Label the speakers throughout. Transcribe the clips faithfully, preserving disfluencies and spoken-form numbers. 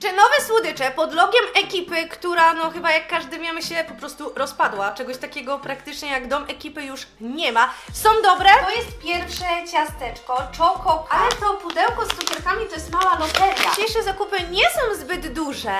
Speaker 1: Czy nowe słodycze pod logiem ekipy, która no chyba jak każdy wiemy się po prostu rozpadła, czegoś takiego praktycznie jak dom ekipy już nie ma, są dobre? To jest pierwsze ciasteczko, Choco, ale to pudełko z cukierkami to jest mała loteria. Dzisiejsze zakupy nie są zbyt duże.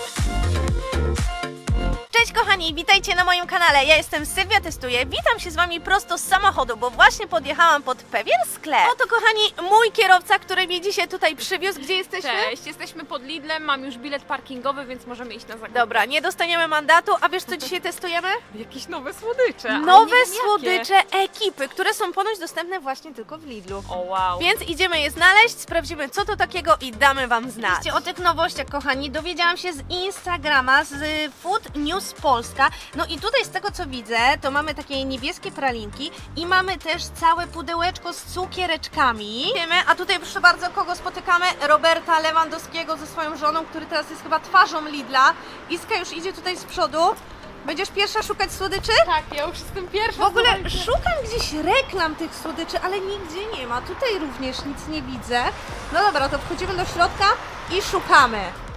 Speaker 1: Cześć kochani, witajcie na moim kanale, ja jestem Sylwia Testuję, witam się z Wami prosto z samochodu, bo właśnie podjechałam pod pewien sklep. Oto kochani, mój kierowca, który mnie dzisiaj tutaj przywiózł, gdzie jesteśmy?
Speaker 2: Cześć, jesteśmy pod Lidlem, mam już bilet parkingowy, więc możemy iść na zakupy.
Speaker 1: Dobra, nie dostaniemy mandatu, a wiesz co dzisiaj testujemy?
Speaker 2: Jakieś nowe słodycze. ale
Speaker 1: Nowe
Speaker 2: nie wiem
Speaker 1: słodycze ekipy, które są ponoć dostępne właśnie tylko w Lidlu.
Speaker 2: Jakie. O wow.
Speaker 1: Więc idziemy je znaleźć, sprawdzimy co to takiego i damy Wam znać. O tych nowościach kochani, dowiedziałam się z Instagrama, z Food News Polska. No i tutaj z tego co widzę, to mamy takie niebieskie pralinki i mamy też całe pudełeczko z cukiereczkami. Wiemy, a tutaj proszę bardzo, kogo spotykamy? Roberta Lewandowskiego ze swoją żoną, który teraz jest chyba twarzą Lidla. Iska już idzie tutaj z przodu. Będziesz pierwsza szukać słodyczy?
Speaker 2: Tak, ja już jestem pierwsza.
Speaker 1: W ogóle
Speaker 2: słuchajcie.
Speaker 1: szukam gdzieś reklam tych słodyczy, ale nigdzie nie ma. Tutaj również nic nie widzę. No dobra, to wchodzimy do środka i szukamy.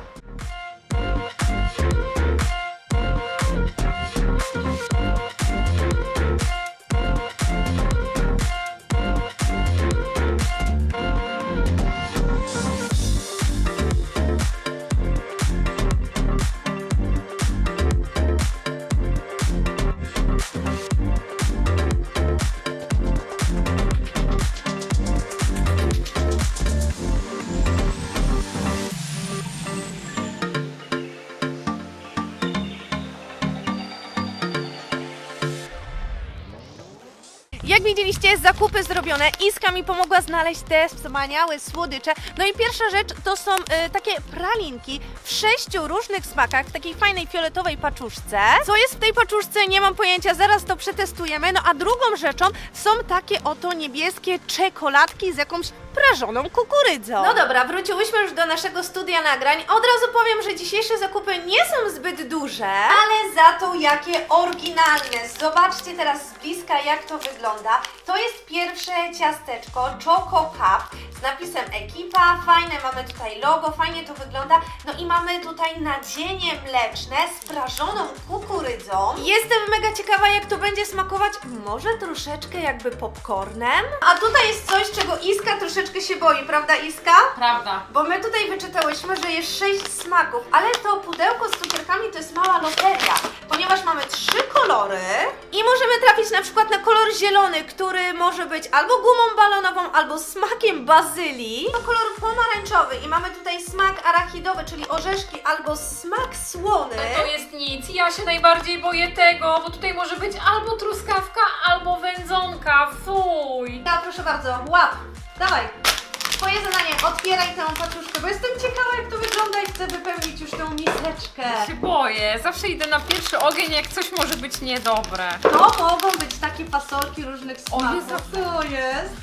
Speaker 1: Jak widzieliście, zakupy zrobione, Iska mi pomogła znaleźć te wspaniałe słodycze. No i pierwsza rzecz to są e, takie pralinki w sześciu różnych smakach, w takiej fajnej fioletowej paczuszce. Co jest w tej paczuszce, nie mam pojęcia, zaraz to przetestujemy. No a drugą rzeczą są takie oto niebieskie czekoladki z jakąś prażoną kukurydzą. No dobra, wróciłyśmy już do naszego studia nagrań. Od razu powiem, że dzisiejsze zakupy nie są zbyt duże, ale za to jakie oryginalne. Zobaczcie teraz z bliska, jak to wygląda. To jest pierwsze ciasteczko Choco Cup z napisem ekipa. Fajne, mamy tutaj logo, fajnie to wygląda. No i mamy tutaj nadzienie mleczne z prażoną kukurydzą. Jestem mega ciekawa, jak to będzie smakować. Może troszeczkę jakby popcornem. A tutaj jest coś, czego Iska troszeczkę się boi, prawda Iska?
Speaker 2: Prawda.
Speaker 1: Bo my tutaj wyczytałyśmy, że jest sześć smaków, ale to pudełko z cukierkami to jest mała loteria, ponieważ mamy trzy kolory i możemy trafić na przykład na kolor zielony, który może być albo gumą balonową, albo smakiem bazylii. To kolor pomarańczowy i mamy tutaj smak arachidowy, czyli orzeszki, albo smak słony.
Speaker 2: To jest nic, ja się najbardziej boję tego, bo tutaj może być albo truskawka, albo wędzonka, fuj.
Speaker 1: No proszę bardzo, łap, dawaj. Twoje zadanie, otwieraj tę paczuszkę, bo jestem ciekawa jak to wygląda i chcę wypełnić już tą miseczkę.
Speaker 2: Ja się boję, zawsze idę na pierwszy ogień, jak coś może być niedobre.
Speaker 1: To mogą być takie fasolki różnych smaków.
Speaker 2: Jezu.
Speaker 1: Co jest?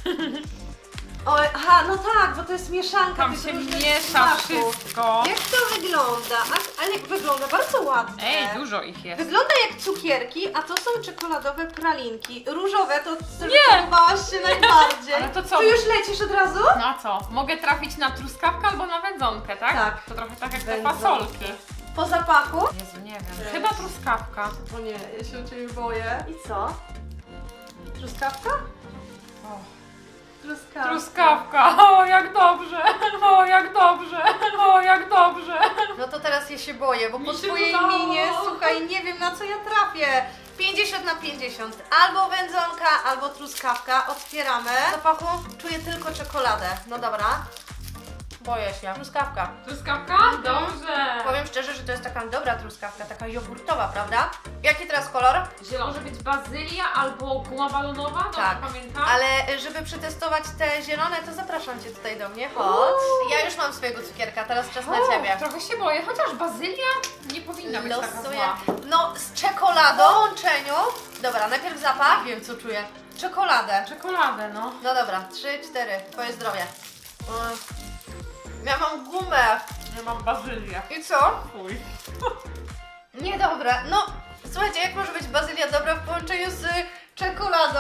Speaker 1: O, aha, no tak, bo to jest mieszanka
Speaker 2: Tam
Speaker 1: tych
Speaker 2: się
Speaker 1: różnych
Speaker 2: miesza
Speaker 1: smaków.
Speaker 2: wszystko.
Speaker 1: Jak to wygląda? A, ale wygląda bardzo ładnie.
Speaker 2: Ej, dużo ich jest.
Speaker 1: Wygląda jak cukierki, a to są czekoladowe pralinki. Różowe to
Speaker 2: Nie!
Speaker 1: podobałaś się najbardziej.
Speaker 2: Ale to co?
Speaker 1: Ty już lecisz od razu?
Speaker 2: No a co? Mogę trafić na truskawkę albo na wędzonkę, tak?
Speaker 1: Tak.
Speaker 2: To trochę tak jak te
Speaker 1: Wędzonki.
Speaker 2: fasolki.
Speaker 1: Po zapachu?
Speaker 2: Jezu, nie wiem. Chyba truskawka.
Speaker 1: O nie, ja się o Ciebie boję. I co? Truskawka?
Speaker 2: O.
Speaker 1: Truskawka.
Speaker 2: Truskawka, o jak dobrze, o jak dobrze, o jak dobrze.
Speaker 1: No to teraz ja się boję, bo
Speaker 2: Mi
Speaker 1: po
Speaker 2: się
Speaker 1: twojej
Speaker 2: udało.
Speaker 1: minie, słuchaj, nie wiem na co ja trafię. pięćdziesiąt na pięćdziesiąt. Albo wędzonka, albo truskawka. Otwieramy. W zapachu czuję tylko czekoladę. No dobra. Boję się. Truskawka.
Speaker 2: Truskawka? Dobrze.
Speaker 1: Powiem szczerze, że to jest taka dobra truskawka, taka jogurtowa, prawda? Jaki teraz kolor?
Speaker 2: Zielony może być bazylia albo guma balonowa, dobrze
Speaker 1: Tak,
Speaker 2: pamiętam?
Speaker 1: ale żeby przetestować te zielone, to zapraszam Cię tutaj do mnie. Chodź. Ja już mam swojego cukierka, teraz czas na
Speaker 2: O,
Speaker 1: Ciebie.
Speaker 2: trochę się boję, chociaż bazylia nie powinna być taka
Speaker 1: Losuję.
Speaker 2: zła.
Speaker 1: No, z czekoladą w łączeniu. Dobra, najpierw zapach. Wiem, co czuję. Czekoladę.
Speaker 2: Czekoladę, no.
Speaker 1: No dobra, trzy, cztery. Twoje zdrowie. Mm. Ja mam gumę.
Speaker 2: Ja mam bazylię.
Speaker 1: I co?
Speaker 2: Fuj.
Speaker 1: Niedobre. No, słuchajcie, jak może być bazylia dobra w połączeniu z czekoladą.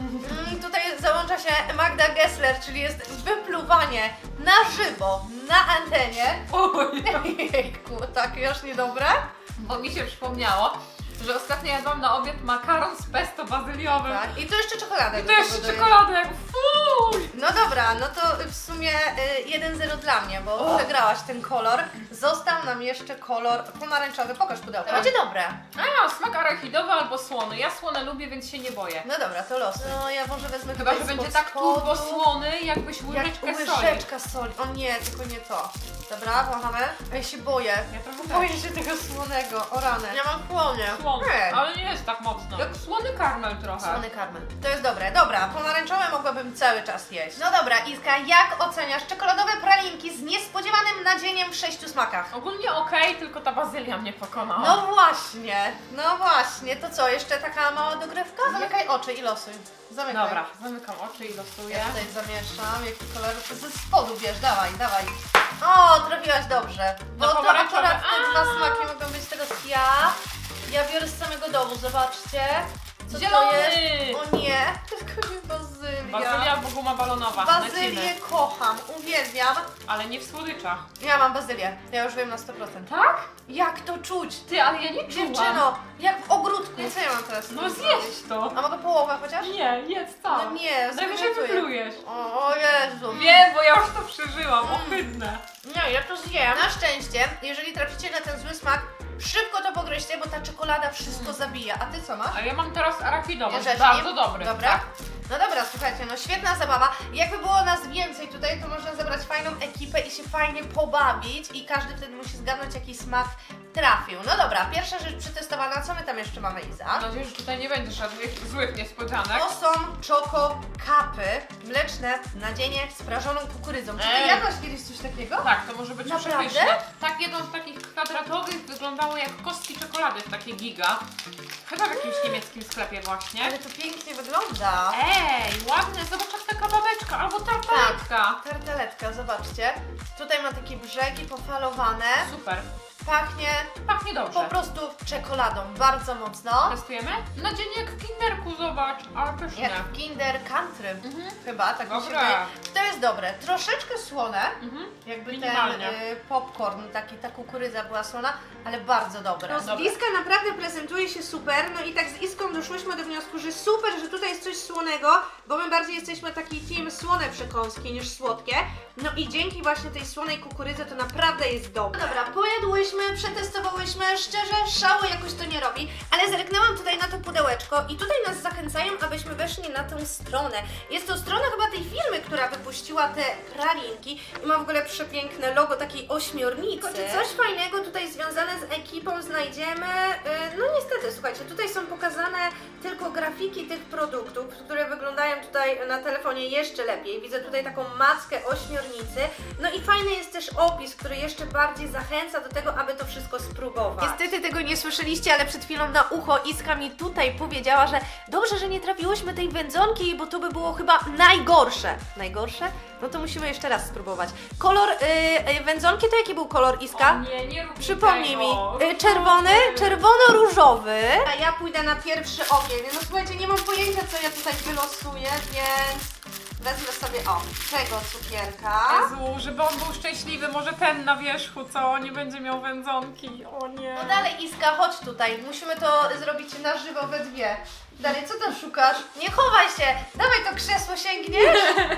Speaker 1: Mm, tutaj załącza się Magda Gessler, czyli jest wypluwanie na żywo, na antenie.
Speaker 2: Oj,
Speaker 1: Jejku, tak już niedobre?
Speaker 2: bo mi się przypomniało, że ostatnio jadłam na obiad makaron z pesto bazyliowym.
Speaker 1: Tak. I to jeszcze czekoladę.
Speaker 2: I
Speaker 1: do
Speaker 2: to jeszcze
Speaker 1: tego dodaję.
Speaker 2: czekoladę, jak fuj!
Speaker 1: No dobra, no to w sumie y, jeden zero dla mnie, bo
Speaker 2: O.
Speaker 1: przegrałaś ten kolor. Został nam jeszcze kolor pomarańczowy. Pokaż pudełko.
Speaker 2: Tak.
Speaker 1: Będzie dobre.
Speaker 2: A, smak arachidowy albo słony. Ja słone lubię, więc się nie boję.
Speaker 1: No dobra, to los. No ja może wezmę
Speaker 2: Chyba, że
Speaker 1: tutaj
Speaker 2: będzie
Speaker 1: spod
Speaker 2: tak turbo
Speaker 1: spodu.
Speaker 2: słony, jakbyś łyżeczkę
Speaker 1: Jak
Speaker 2: soli.
Speaker 1: łyżeczka soli. O nie, tylko nie to. Dobra, wąchamy. Ja się boję.
Speaker 2: Ja trochę
Speaker 1: Boję
Speaker 2: tak.
Speaker 1: się tego słonego. O rany. Ja mam chłonie.
Speaker 2: Słony,
Speaker 1: Nie.
Speaker 2: ale nie jest tak mocno. Jak słony karmel trochę.
Speaker 1: Słony karmel. To jest dobre. Dobra, pomarańczowe mogłabym cały czas jeść. No dobra, Iska, jak oceniasz czekoladowe pralinki z niespodziewanym nadzieniem w sześciu smakach?
Speaker 2: Ogólnie okej, tylko ta bazylia mnie pokonała.
Speaker 1: No właśnie, no właśnie. To co, jeszcze taka mała dogrywka? Zamykaj oczy i losuj. Zamykaj.
Speaker 2: Dobra, zamykam oczy i losuję.
Speaker 1: Ja tutaj zamieszam, jaki kolor, to ze spodu bierz, dawaj, dawaj. O, trafiłaś dobrze, bo
Speaker 2: No
Speaker 1: to
Speaker 2: pomarańczowe.
Speaker 1: akurat te dwa
Speaker 2: A.
Speaker 1: smaki mogą być teraz ja. Ja biorę z samego domu, zobaczcie. Co
Speaker 2: Zielony!
Speaker 1: to jest? O nie, tylko nie bazylia.
Speaker 2: Bazylia albo guma balonowa.
Speaker 1: Bazylię
Speaker 2: Lecimy.
Speaker 1: kocham, uwielbiam.
Speaker 2: Ale nie w słodyczach.
Speaker 1: Ja mam bazylię, ja już wiem na sto procent.
Speaker 2: Tak?
Speaker 1: Jak to czuć?
Speaker 2: Ty, ale ja nie czułam.
Speaker 1: Dziewczyno, jak w ogródku. Co ja mam teraz? z
Speaker 2: No
Speaker 1: tym
Speaker 2: zjeść
Speaker 1: zrobić?
Speaker 2: to.
Speaker 1: A mogę połowę chociaż?
Speaker 2: Nie, jedz tak.
Speaker 1: No nie,
Speaker 2: Najwyżej
Speaker 1: zwymiotuję.
Speaker 2: wyplujesz.
Speaker 1: O, o Jezu.
Speaker 2: Wiem, bo ja już to przeżyłam. Ohydne.
Speaker 1: Nie, ja to zjem. Na szczęście, jeżeli traficie na ten zły smak, szybko to pogryźcie, bo ta czekolada wszystko zabija. A ty co masz?
Speaker 2: A ja mam teraz arachidowy.
Speaker 1: Bierzesz
Speaker 2: Bardzo
Speaker 1: nim?
Speaker 2: dobry.
Speaker 1: Dobra.
Speaker 2: Tak.
Speaker 1: No dobra, słuchajcie, no świetna zabawa. Jakby było nas więcej tutaj, to można zebrać fajną ekipę i się fajnie pobawić i każdy wtedy musi zgadnąć, jaki smak trafił. No dobra, pierwsza rzecz przetestowana. Co my tam jeszcze mamy, Iza?
Speaker 2: Mam nadzieję, że tutaj nie będzie żadnych złych niespodzianek.
Speaker 1: To są czoko kapy mleczne nadzienie z prażoną kukurydzą. Czy ty
Speaker 2: Ej.
Speaker 1: jadłaś kiedyś coś takiego?
Speaker 2: Tak, to może być
Speaker 1: Naprawdę?
Speaker 2: przepyszne. Tak, jedną z takich kwadratowych wyglądało jak kostki czekolady w takie giga. Chyba w jakimś niemieckim sklepie właśnie.
Speaker 1: Ale to pięknie wygląda.
Speaker 2: Ej, ładne, zobacz jak taka babeczka albo tartaletka.
Speaker 1: Tarteletka, zobaczcie. Tutaj ma takie brzegi pofalowane.
Speaker 2: Super,
Speaker 1: Pachnie
Speaker 2: pachnie
Speaker 1: po
Speaker 2: dobrze.
Speaker 1: prostu czekoladą, bardzo mocno.
Speaker 2: Testujemy? Nadzienie jak w kinderku, zobacz, ale pyszne.
Speaker 1: Jak w Kinder Country.
Speaker 2: Mhm.
Speaker 1: Chyba, tak mi się
Speaker 2: Dobra.
Speaker 1: wydaje. To jest dobre. Troszeczkę słone,
Speaker 2: Mhm.
Speaker 1: jakby ten
Speaker 2: Minimalnie.
Speaker 1: y, popcorn, taki, ta kukurydza była słona, ale bardzo dobre.
Speaker 2: Dobra.
Speaker 1: Iska naprawdę prezentuje się super, no i tak z Iską doszłyśmy do wniosku, że super, że tutaj jest coś słonego, bo my bardziej jesteśmy taki team słone przekąski niż słodkie. No i dzięki właśnie tej słonej kukurydzy to naprawdę jest dobre. Dobra, pojadłyśmy, przetestowałyśmy, szczerze szału jakoś to nie robi, ale zerknęłam tutaj na to pudełeczko i tutaj nas zachęcają, abyśmy weszli na tę stronę. Jest to strona chyba tej firmy, która wypuściła te pralinki i ma w ogóle przepiękne logo takiej ośmiornicy. Czy coś fajnego tutaj związane z ekipą znajdziemy? Yy, no niestety, słuchajcie, tutaj są pokazane tylko grafiki tych produktów, które wyglądają tutaj na telefonie jeszcze lepiej. Widzę tutaj taką mackę ośmiornicy. No i fajny jest też opis, który jeszcze bardziej zachęca do tego, aby to wszystko spróbować. Niestety tego nie słyszeliście, ale przed chwilą na ucho Iska mi tutaj powiedziała, że dobrze, że nie trafiłyśmy tej wędzonki, bo to by było chyba najgorsze. Najgorsze? No to musimy jeszcze raz spróbować. Kolor yy, yy, wędzonki to jaki był kolor, Iska?
Speaker 2: O nie, nie rób
Speaker 1: Przypomnij mi,
Speaker 2: tego.
Speaker 1: y, czerwony, czerwono-różowy. A ja pójdę na pierwszy ogień. No słuchajcie, nie mam pojęcia, co ja tutaj wylosuję, więc wezmę sobie, o, tego cukierka.
Speaker 2: Jezu, żeby on był szczęśliwy, może ten na wierzchu, co? Nie będzie miał wędzonki, o nie.
Speaker 1: No dalej, Iska, chodź tutaj. Musimy to zrobić na żywo we dwie. Dalej, co tam szukasz? Nie chowaj się! Dawaj to krzesło, sięgniesz!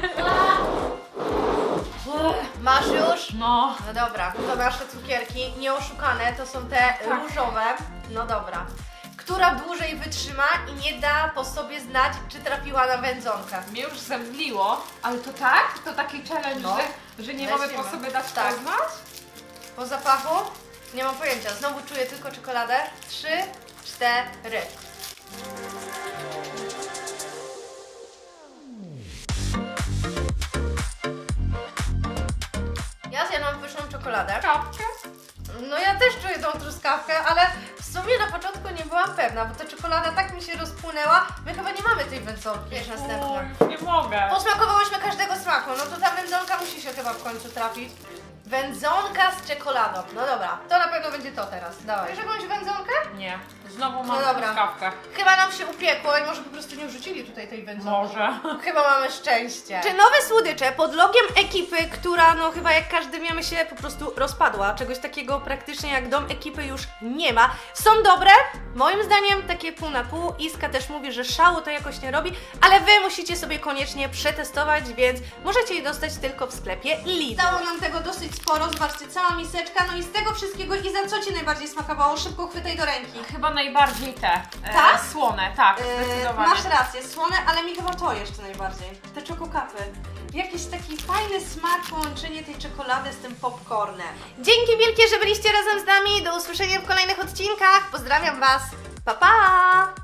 Speaker 1: Masz już?
Speaker 2: No.
Speaker 1: No dobra, to nasze cukierki nieoszukane, to są te różowe. No dobra. Która dłużej wytrzyma i nie da po sobie znać, czy trafiła na wędzonkę.
Speaker 2: Mnie już zemdliło, ale to tak? To taki challenge,
Speaker 1: No.
Speaker 2: że, że nie
Speaker 1: Lecimy.
Speaker 2: mamy po sobie dać
Speaker 1: Tak.
Speaker 2: poznać?
Speaker 1: Po zapachu? Nie mam pojęcia. Znowu czuję tylko czekoladę. Trzy, cztery. Ja zjadłam pyszną czekoladę.
Speaker 2: Kapkę?
Speaker 1: No ja też czuję tą truskawkę, ale w sumie na początku nie byłam pewna, bo ta czekolada tak mi się rozpłynęła. My chyba nie mamy tej wędzonki. Wiesz,
Speaker 2: O,
Speaker 1: następna.
Speaker 2: już nie mogę.
Speaker 1: Posmakowałyśmy każdego smaku, no to ta wędzonka musi się chyba w końcu trafić. Wędzonka z czekoladą. No dobra, to na pewno będzie to teraz. Dawaj. Wiesz jakąś wędzonkę?
Speaker 2: Nie, znowu mam
Speaker 1: No dobra.
Speaker 2: truskawkę.
Speaker 1: Chyba nam się upiekło i może po prostu nie wrzucili tutaj tej wędzonki.
Speaker 2: Może.
Speaker 1: Chyba mamy szczęście. Czy nowe słodycze pod logiem ekipy, która no chyba jak każdy wiemy się po prostu rozpadła, czegoś takiego praktycznie jak dom ekipy już nie ma, są dobre? Moim zdaniem takie pół na pół. Iska też mówi, że szału to jakoś nie robi, ale Wy musicie sobie koniecznie przetestować, więc możecie je dostać tylko w sklepie Lidl. Dało nam tego dosyć sporo, zobaczcie, cała miseczka, no i z tego wszystkiego Iza, co Ci najbardziej smakowało? Szybko chwytaj do ręki.
Speaker 2: Chyba najbardziej te e,
Speaker 1: Tak?
Speaker 2: słone, tak,
Speaker 1: Yy,
Speaker 2: zdecydowanie.
Speaker 1: masz rację, słone, ale mi chyba to jeszcze najbardziej. Te czokokapy. Jakiś taki fajny smak, połączenie tej czekolady z tym popcornem. Dzięki wielkie, że byliście razem z nami. Do usłyszenia w kolejnych odcinkach. Pozdrawiam Was. Pa, pa!